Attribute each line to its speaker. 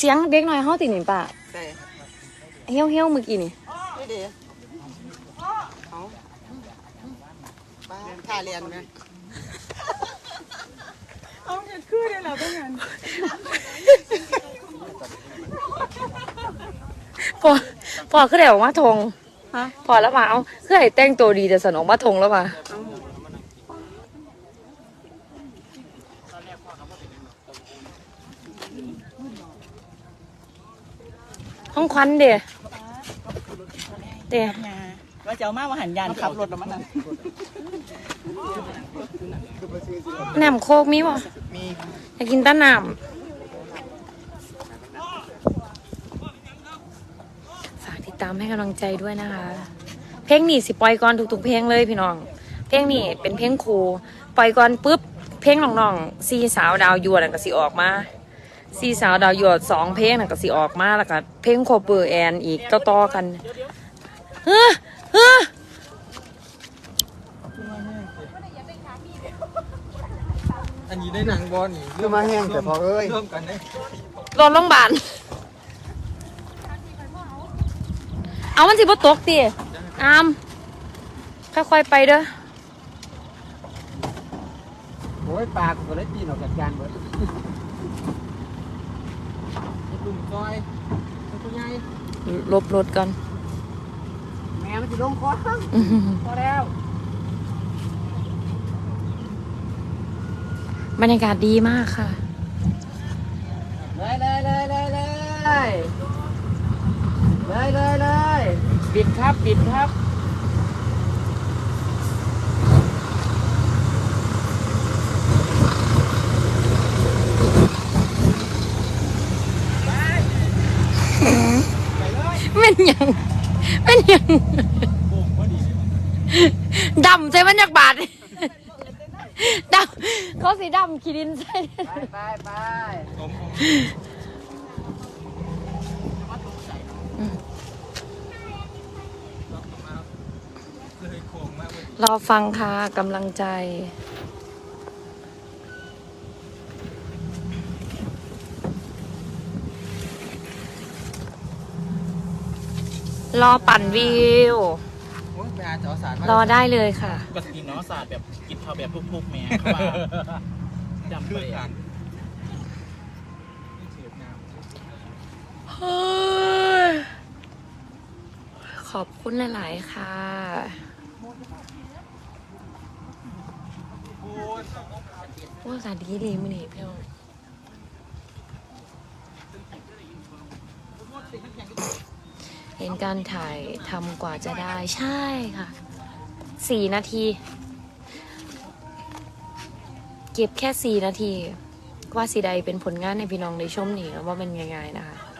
Speaker 1: สียงเด็กน้อยเฮาติหนิป่ะ
Speaker 2: ใช่
Speaker 1: เฮี้ยวเมื่อกี้นี่
Speaker 2: ไม่ดีเขาป้าท่าเรียนไหมเอาเงินคืนได้แล้วเป็นไง
Speaker 1: พอคือได้ออกมาทงพอแล้วมาเอาคือให้แต่งตัวดีแต่สนออกมาทงแล้วมาห้องควันเดี๋ยว
Speaker 2: ว่าจะเอามาหันยานขับรถแล้วมัน
Speaker 1: น้ำโคกมีบ่
Speaker 2: มี
Speaker 1: อยากกินต้นน้ำฝากติดตามให้กำลังใจด้วยนะคะเพลงนี้สิปล่อยก่อนทุกๆเพลงเลยพี่น้องเพลงนี้เป็นเพลงครูปล่อยก่อนปุ๊บเพลงน้องๆซีสาวดาวยั่วนั่นก็สิออกมาซีสาวดาวยั่ว2เพลงนั่นก็สิออกมาแล้วก็เพลงโคเปอร์แอนอีกต่อๆกัน
Speaker 3: อันนี้ได้หนังบอลนี่
Speaker 2: คือมาแห้งแต่พอเอ้ย
Speaker 3: ร่วมกันได้
Speaker 1: รถโรงพยาบาลเอามันสิบ่ตกติอามค่อยๆไปเด้อ
Speaker 3: โอ้ยปลากูก็เลยปีนออกจากจานเบิดลุงซอยตัวใหญ่
Speaker 1: ลบรถก่อน
Speaker 2: แม่มันจะลงคอพอแล้ว
Speaker 1: บรรยากาศดีมากค่ะ
Speaker 3: เลยบิดครับ
Speaker 1: เป็นยังดำใช่มันอยากบาดดำเขาสีดำขีดินใช่
Speaker 2: ไป
Speaker 1: รอฟังค่ะกำลังใจรอปั่นวิวรอได้เลยค่ะ
Speaker 3: ปกติเนาะศาสตร์แบบกินข้าวแบบทุกๆแม่เขาว่าจำไป
Speaker 1: ขอบคุณหลายๆค่ะว่าสาดีเลยมั้ยนี่พี่น้องเห็นการถ่ายทำกว่าจะได้ใช่ค่ะ4 นาทีเก็บแค่4 นาทีว่าสีใดเป็นผลงานในพี่น้องในชมนี่ว่าเป็นยังไงนะคะ